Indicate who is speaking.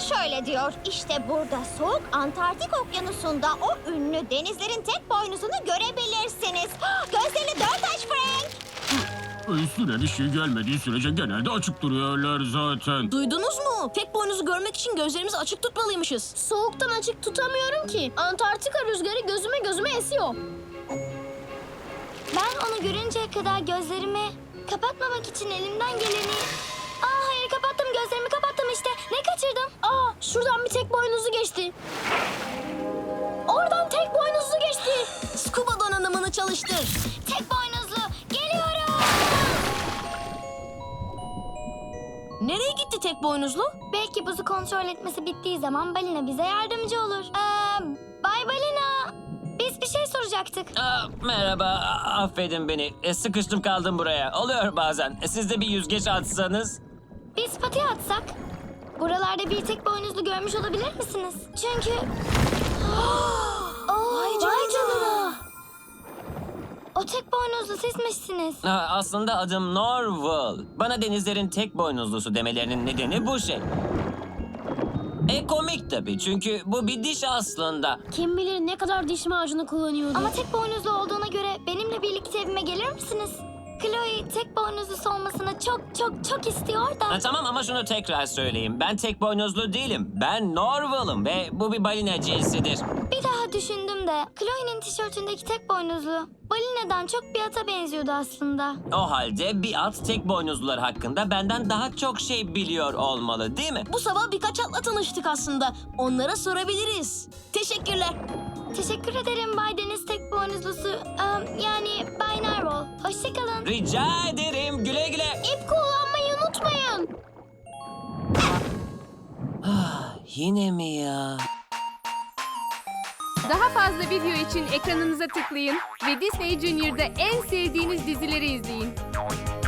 Speaker 1: şöyle diyor. İşte burada soğuk Antarktik okyanusunda o ünlü denizlerin tek boynuzunu görebilirsiniz. Gözlerini dört aç Frank.
Speaker 2: Üstüne bir şey gelmediği sürece genelde açık duruyorlar zaten.
Speaker 3: Duydunuz mu? Tek boynuzu görmek için gözlerimizi açık tutmalıymışız.
Speaker 4: Soğuktan açık tutamıyorum ki. Antarktika rüzgarı gözüme esiyor.
Speaker 1: Ben onu görünceye kadar gözlerimi kapatmamak için elimden geleni... Hayır, kapattım, gözlerimi kapattım işte. Ne kaçırdım?
Speaker 4: Şuradan bir tek boynuzu geçti. Oradan tek boynuzlu geçti.
Speaker 3: Scuba donanımını çalıştır.
Speaker 1: Tek boynuzlu, geliyorum.
Speaker 3: Nereye gitti tek boynuzlu?
Speaker 1: Belki buzu kontrol etmesi bittiği zaman balina bize yardımcı olur. Bay Balina, biz bir şey soracaktık.
Speaker 5: Merhaba, affedin beni. Sıkıştım kaldım buraya. Oluyor bazen. Siz de bir yüzgeç atsanız.
Speaker 1: Biz pati atsak, buralarda bir tek boynuzlu görmüş olabilir misiniz? Çünkü... Vay canına. O tek boynuzlu sizmişsiniz.
Speaker 5: Aslında adım Norval. Bana denizlerin tek boynuzlusu demelerinin nedeni bu şey. Komik tabii çünkü bu bir diş aslında.
Speaker 4: Kim bilir ne kadar diş macunu kullanıyordu.
Speaker 1: Ama tek boynuzlu olduğuna göre benimle birlikte evime gelir misiniz? Chloe tek boynuzlusu olmasını çok istiyor da.
Speaker 5: Tamam ama şunu tekrar söyleyeyim. Ben tek boynuzlu değilim. Ben Norval'ım ve bu bir balina cinsidir.
Speaker 1: Bir daha düşündüm de Chloe'nin tişörtündeki tek boynuzlu balinadan çok bir ata benziyordu aslında.
Speaker 5: O halde bir at tek boynuzlular hakkında benden daha çok şey biliyor olmalı değil mi?
Speaker 3: Bu sabah birkaç atla tanıştık aslında. Onlara sorabiliriz. Teşekkürler.
Speaker 1: Teşekkür ederim Bay Deniz tek boynuzlusu. Yani Bay Narwhal. Hoşçakalın.
Speaker 5: Rica ederim. Güle güle.
Speaker 4: İp kullanmayı unutmayın.
Speaker 5: Yine mi ya?
Speaker 6: Daha fazla video için ekranınıza tıklayın ve Disney Junior'da en sevdiğiniz dizileri izleyin.